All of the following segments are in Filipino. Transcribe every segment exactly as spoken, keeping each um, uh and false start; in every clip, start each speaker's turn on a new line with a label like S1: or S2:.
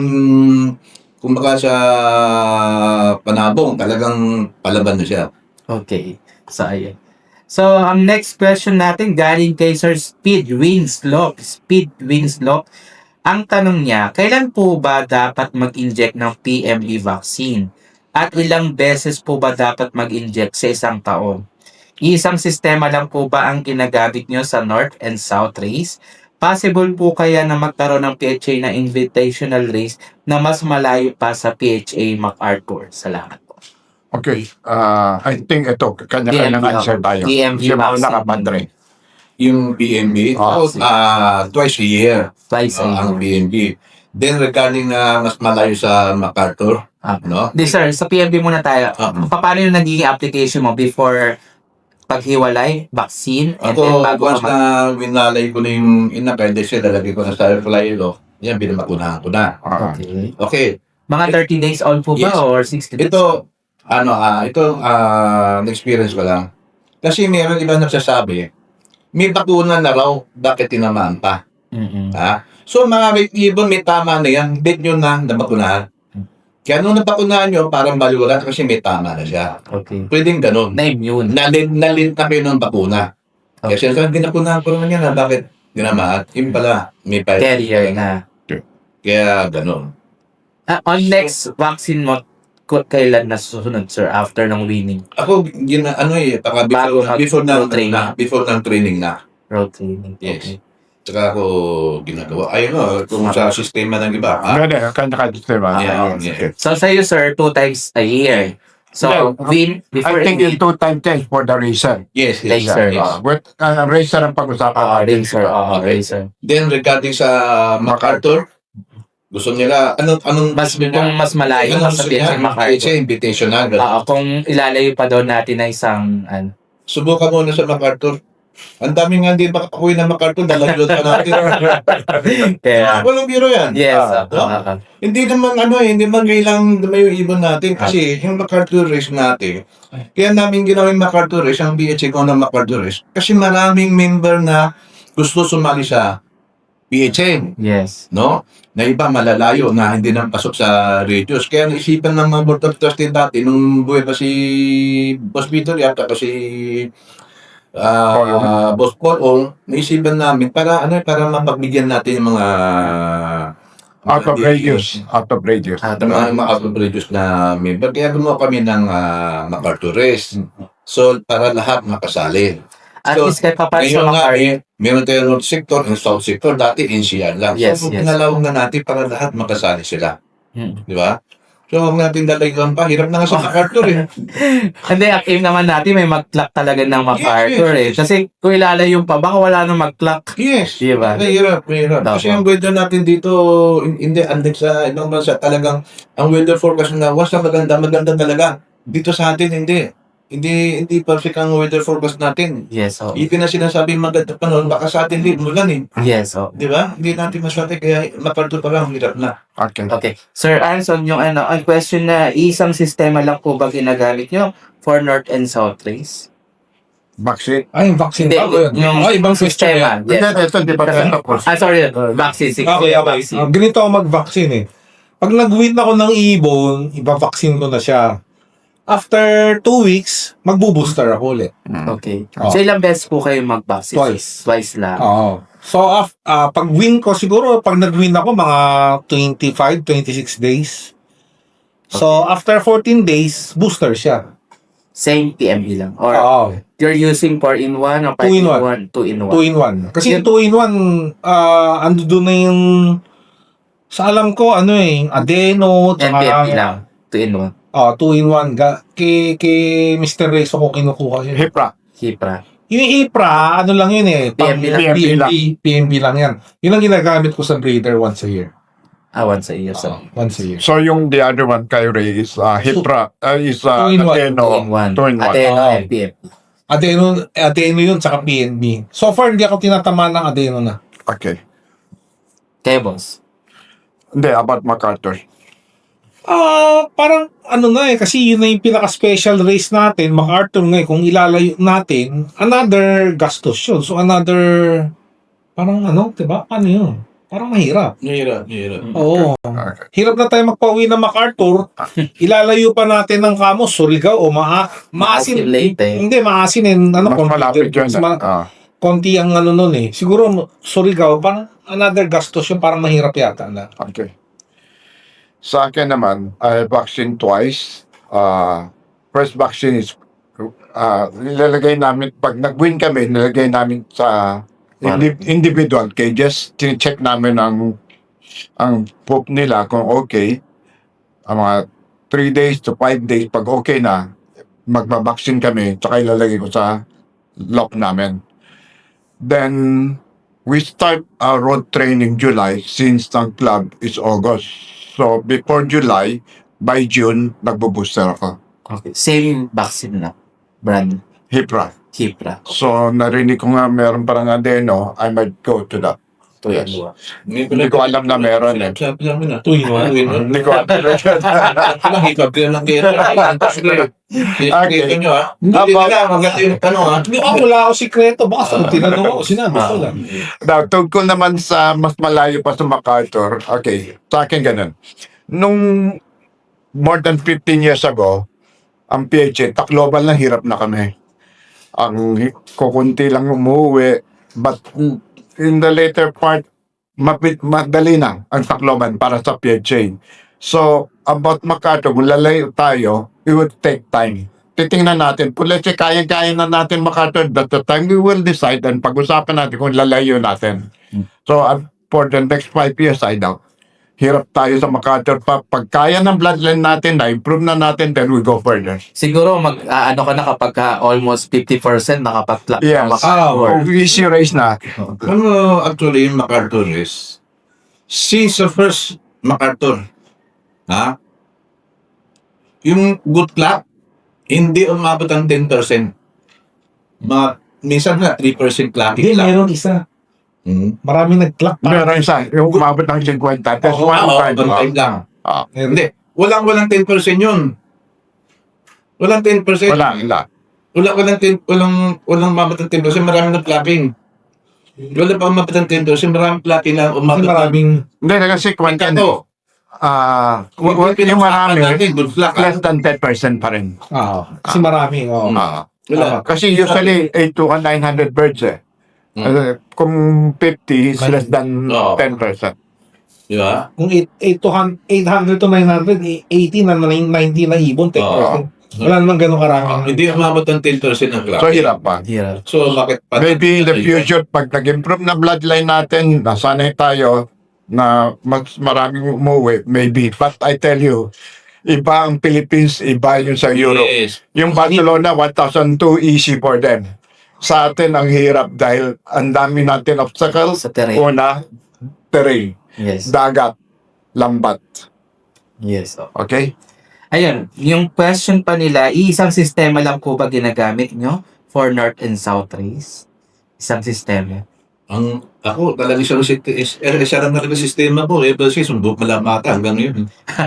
S1: Hmm, kumbaga sa panabong talagang palaban na siya.
S2: Okay. So, ayun. So, ang next question natin galing kay Sir Speed Winslow. Speed Winslow. Ang tanong niya, kailan po ba dapat mag-inject ng P M D vaccine? At ilang beses po ba dapat mag-inject sa isang taon? Isang sistema lang po ba ang ginagamit nyo sa North and South race? Possible po kaya na magkaroon ng P H A na invitational race na mas malayo pa sa P H A MacArthur? Salamat po.
S3: Okay, ah, I think ito, kanya-kanyang
S2: P M B,
S3: answer
S2: ako.
S3: tayo.
S2: P M B
S3: Siya ba
S2: vaccine.
S1: Yung
S3: nakapadre?
S1: P M B,
S3: Ah,
S1: oh, ah, twice a year
S2: Twice a
S1: ah, ang
S2: year.
S1: P M B. Then regarding na mas malayo sa MacArthur,
S2: Ah.
S1: no?
S2: Di sir, sa P M B muna tayo.
S1: Ah.
S2: Pa- Paano yung nagiging application mo before paghiwalay, vaccine, and then
S1: Ako,
S2: bago
S1: once
S2: ka mag-
S1: na winalay ko na yung inakay, kasi lalagay ko na sa flylo, yan, binabakunahan ko na.
S3: Ah,
S2: Okay.
S1: Okay,
S2: Mga thirty days old po ba
S1: Yes.
S2: or sixty days?
S1: ito, ano, ah, ito, ah, experience ko lang. Kasi meron iba nagsasabi, may bakuna na raw, bakit tinamaan pa?
S2: Mm-mm.
S1: Ha? So, mga ibon, may tama na yan, date nyo na, nabakunahan. Kaya nung nabakunahan nyo, parang baliwala kasi may tama na siya.
S2: Okay.
S1: Pwedeng ganun.
S2: Na-immune.
S1: Nalin, nalin na kayo ng bakuna. Kaya
S2: Okay.
S1: sinasabi, dinakunahan ko naman yan, ha? Bakit tinamaan? Yung pala, may pa-
S2: Carrier na.
S1: Kaya ganun.
S2: Ah, on next vaccine mo, ku- kailan na susunod, sir, after ng winning
S1: Ako, yun, na- ano eh, baka
S2: Bago
S1: before,
S2: mag-
S1: before, ng,
S2: training.
S1: na, before ng training na.
S2: road training?
S1: Yes.
S2: Okay.
S1: Tsaka ako ginagawa. Ayun o, kung sa sistema ng iba. Ha?
S3: Ganda, kanya-kanya sistema.
S1: Yeah,
S3: Ah,
S1: yeah.
S3: okay.
S2: So, sa'yo, sir, two times a year. So,
S3: Yeah.
S2: win, before
S3: I think
S2: win,
S3: in two time change for the racer.
S1: Yes, yes.
S2: Laser.
S1: yes.
S3: Uh, but uh, racer ang pag-usapan
S2: uh,
S3: natin.
S2: racer, uh,
S1: Okay.
S2: racer.
S1: Then regarding sa MacArthur, gusto nila, anong, anong,
S2: Mas,
S1: gusto
S2: kung mas malayo,
S1: anong
S2: mas
S1: gusto
S2: sabihin
S1: niya?
S2: sa MacArthur.
S1: It's invitational.
S2: Ah, kung ilalayo pa daw natin na isang, ano,
S1: Subukan muna sa MacArthur. Ang dami nga hindi makakuwi ng MacArthur, dalagyot pa natin.
S2: kaya,
S1: Walang biro yan.
S2: yes,
S3: Ah,
S2: uh, uh, uh,
S1: Hindi naman ano eh, hindi man kailang dumayo yung ibon natin kasi yung MacArthur race natin, kaya namin ginawa yung MacArthur race, ang B H A ko ng MacArthur race, kasi maraming member na gusto sumali sa B H A,
S2: yes.
S1: no? Na iba malalayo na hindi nang pasok sa radius. Kaya naisipan ng mga board of trustees dati, nung buhay pa si Boss Peter yata kasi ah Boss Paul, naisipan namin para ano para mapagbigyan natin yung mga
S3: Out of
S1: mga
S3: radius. Out of radius.
S2: Ah,
S1: mga mga out of radius na member. Kaya gumawa kami ng uh, MacArthur race. So, para lahat makasali.
S2: At
S1: So,
S2: least kahit pa paano sa
S1: Ngayon nga,
S2: MacArthur,
S1: eh, meron tayo North Sector and South Sector. Dati, N C R lang.
S2: Yes,
S1: so,
S2: yes.
S1: pinalawag na natin para lahat makasali sila.
S2: Hmm.
S1: Di ba? So, huwag natin dalagang pa. Hirap na nga sa MacArthur eh.
S2: Hindi, ang aim naman natin may mag-clock talaga ng MacArthur
S1: Yes,
S2: eh. Kasi kung ilalayo pa, baka wala nang mag-clock.
S1: Yes.
S2: Di ba?
S1: Mahirap, mahirap.
S2: Dapat.
S1: Kasi ang weather natin dito, hin- hindi, andun sa ibang bansa, talagang, ang weather forecast na, was na maganda, maganda talaga. Dito sa atin, hindi. Hindi, hindi perfect ang weather forecast natin.
S2: Yes, oh.
S1: Even na sinasabi maganda pa noon, baka sa atin din, mulan eh.
S2: Yes, oh.
S1: Di ba? Hindi natin maswerte, kaya MacArthur pa lang, hirap na.
S3: Okay.
S2: Okay. Sir Anson, yung ano, ang question na isang sistema lang po ba ginagamit nyo for North and South race?
S3: Vaccine.
S4: Ay, vaccine
S2: Hindi,
S4: pa ba yun?
S2: yung
S4: Ah, ibang question
S2: sistema.
S4: yan.
S2: Yes.
S3: Ito, ito, di ba ito, of course.
S2: Ah, sorry. Vaccine. Six.
S4: Okay, okay.
S2: Vaccine.
S4: Ah, ganito ako mag-vaccine eh. Pag nag-win ako ng ibon, iba-vaccine ko na siya. After two weeks, magbo-booster ako ulit.
S2: Okay.
S4: Oh.
S2: So, ilang beses po kayo mag-vaccine?
S4: Twice.
S2: Twice lang.
S4: Oo. So, af, ah, pag win ko, siguro, pag nag-win ako, mga twenty-five, twenty-six days. So, after fourteen days, booster siya.
S2: Same P M B lang. Or
S4: Oo.
S2: you're using four in one or five
S4: Two in
S2: in
S4: one.
S2: one? Two in one.
S4: two in one. Kasi
S2: Yun.
S4: two in one, ah, ando doon na yung, sa alam ko, ano eh, adeno,
S2: And P M B
S4: tsaka,
S2: lang. Two in one.
S4: oh, two in one. Ga, kay, kay mister Rezo ko kinukuha yun.
S3: Hipra.
S2: Hipra.
S4: Yung Hipra, ano lang yun eh.
S2: P M B lang.
S4: P M B, P M B lang yan. Yun ang ginagamit ko sa breeder once a year.
S2: Ah, once a year. So,
S4: Oh, once a year.
S3: So yung the other one, Kyrie, is uh, Hipra. Uh, is uh,
S4: Two in one.
S3: Adeno.
S2: two in one.
S3: Two in one.
S2: Adeno
S4: Oh.
S2: and P M B.
S4: Adeno, adeno yun, tsaka P N B. So far, hindi ako tinatamaan ng adeno na.
S3: Okay.
S2: Kayo, boss.
S3: Hindi, about MacArthur.
S4: Ah, parang ano na eh, kasi yun na yung pinaka-special race natin, MacArthur nga eh, kung ilalayo natin, another gastos yun. So another, parang ano, diba? Ano yun? Parang mahirap.
S1: Mahirap, mahirap.
S4: Oo.
S3: Okay.
S4: Hirap na tayo magpauwi ng MacArthur. Ilalayo pa natin ng Kamos, Surigao o maa maasin.
S2: Maasin Leyte.
S4: Hindi, maasin eh. Ano,
S3: Mas
S4: konti-
S3: malapit yun.
S4: mas ma-
S3: Ah.
S4: konti ang ano nun eh. Siguro, Surigao, parang another gastos yung parang mahirap yata na.
S3: Okay. Sa akin naman, I vaccine twice. Uh, first vaccine is uh, nilalagay namin, pag nag-win kami, nilalagay namin sa indi- individual cages. Tine-check namin ang ang poop nila kung okay. Ang mga three days to five days, pag okay na, magbabaksin kami, tsaka ilalagay ko sa lock namin. Then, we start our road training July since ang club is August. So, before July, by June, nagbo-booster ako.
S2: Okay. Same vaccine na. Brand.
S3: Hipra.
S2: Kipra.
S3: So, narinig ko nga meron parang adeno, I might go to that.
S2: Ito yan.
S3: Hindi ko alam na meron eh.
S1: Sabi namin na.
S4: Two in one.
S3: Hindi ko alam.
S1: Lang, hikab din lang kaya.
S3: Okay.
S1: Ito nyo ha. Hindi na, maganda yung tanong ha.
S4: Hindi ako wala ako sikreto. Baka sa tinanong ako, sinabi ko lang.
S3: Now, tungkol naman sa mas malayo pa sa MacArthur, okay, sa akin ganun. Nung more than fifteen years ago, ang P H A, Tacloban lang hirap na kami. Ang hi- kukunti lang umuwi, but in the later part, mapit, madali na ang Tacloban para sa P H A. So, about MacArthur, kung lalayo tayo, it would take time. Titingnan natin, kung let's say, kaya-kaya na natin MacArthur, at the time we will decide and pag-usapan natin kung lalayo natin. So, uh, for the next five years, I doubt. Hirap tayo sa MacArthur pa. Pag kaya ng bloodline natin, na-improve na natin, then we go further.
S2: Siguro mag ah, ano ka na kapag ka almost fifty percent nakapag-plug
S3: Yes.
S2: ka
S3: Oh, easy race na.
S1: Ano actually yung MacArthur is, since the first MacArthur, ha? Yung good clock, hindi umabot ang ten percent. Ma, minsan nga, three percent clocking
S4: Hindi,
S1: lang.
S4: meron isa.
S1: Hmm.
S4: Maraming nag-clock pa.
S3: Meron isa, yung umabot ng fifty. That's
S1: Oo,
S3: one
S1: oo,
S3: time.
S1: one time lang.
S3: Ah,
S1: Hindi, walang walang ten percent yun. Walang ten percent.
S3: wala, wala.
S1: Wala, walang ten, walang, walang umabot ng ten percent, marami ng clocking. Wala pa umabot ng ten percent, maraming clocking lang
S4: Kasi
S1: umabot ng
S4: maraming
S3: Hindi, kasi kwenta
S1: ito.
S3: Ah, w- w- yung marami,
S1: good clock.
S3: less than ten percent pa rin.
S4: ah, kasi maraming oh.
S3: Ah,
S1: Wala.
S3: kasi usually, eight to nine hundred birds eh.
S1: Hmm.
S3: Uh, kung fifty is less than
S1: Oo.
S3: ten percent.
S1: Di ba?
S4: Kung eight hundred to nine hundred, eighty na ninety na ibon, ten percent. Wala namang ganun karami.
S1: Hindi umabot ng ten percent ng clocking.
S3: So, hirap pa.
S2: Hirap.
S1: So, bakit pa?
S3: Maybe in the future, pag nag-improve na bloodline natin, nasanay tayo na mas maraming umuwi, maybe. But I tell you, iba ang Philippines, iba yung sa Europe.
S1: Yes.
S3: Yung Barcelona, one thousand two, easy for them. Sa atin, ang hirap dahil ang dami natin obstacles.
S2: Sa terrain.
S3: Una, terrain.
S2: Yes.
S3: Dagat. Lambat.
S2: Yes.
S3: Okay?
S2: Ayun, yung question pa nila, isang sistema lang po ba ginagamit nyo for North and South race? Isang sistema.
S1: Ang ako talaga isang sit- is er, isa lang talaga sistema ko eh kasi sumbok malamata hanggang yun.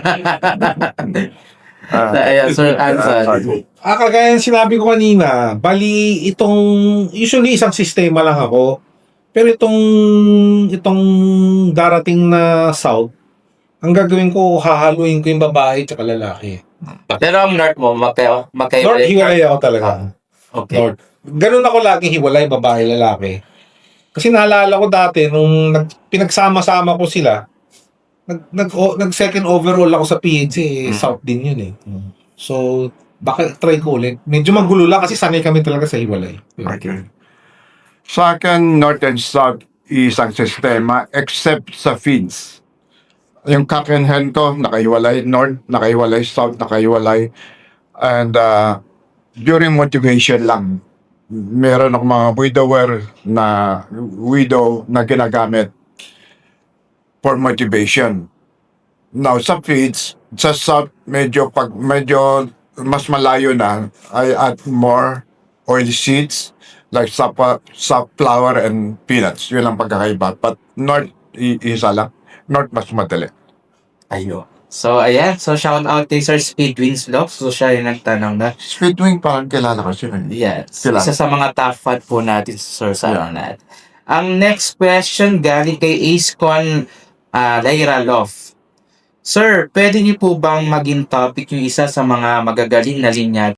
S3: Ah,
S2: Ayun, Sir Anson.
S4: Ah, kagaya ng sinabi ko kanina, bali itong, usually isang sistema lang ako, pero itong, itong darating na South, ang gagawin ko, hahaluin ko yung babae at lalaki.
S2: Pero ang North mo, magkayo, magkayo.
S4: North, hiwalay ako talaga.
S2: Okay.
S4: North. Ganun ako laging hiwalay, babae, lalaki. Kasi naalala ko dati, nung nag, pinagsama-sama ko sila, nag, nag, o, nag second overall ako sa P H eh,
S2: Mm.
S4: South din yun eh. So, baka try ko ulit. Medyo magulo lang kasi sanay kami talaga sa hiwalay.
S3: Okay. Sa akin, North and South isang sistema except sa feeds. Yung cock and hen ko, nakahiwalay. North, nakahiwalay. South, nakahiwalay. And uh, during motivation lang, meron akong mga widower na widow na ginagamit for motivation. Now, sa feeds, sa South, medyo, pag, medyo mas malayo na, I add more oil seeds, like sapa, sunflower and peanuts. Yun ang pagkakaiba. But North, i- isa lang. North, mas madali.
S2: Ayo. So, ayan. So, shout out kay Sir Speed Winslow. So, siya yung nagtanong na.
S3: Sweet Wing, parang kilala ko siya.
S2: Yes.
S3: Sila.
S2: Isa sa mga top fan po natin, Sir, sa
S3: Yeah.
S2: ano natin. Ang next question galing kay Ace Con uh, Lyra Love. Sir, pwede niyo po bang maging topic yung isa sa mga magagaling na linya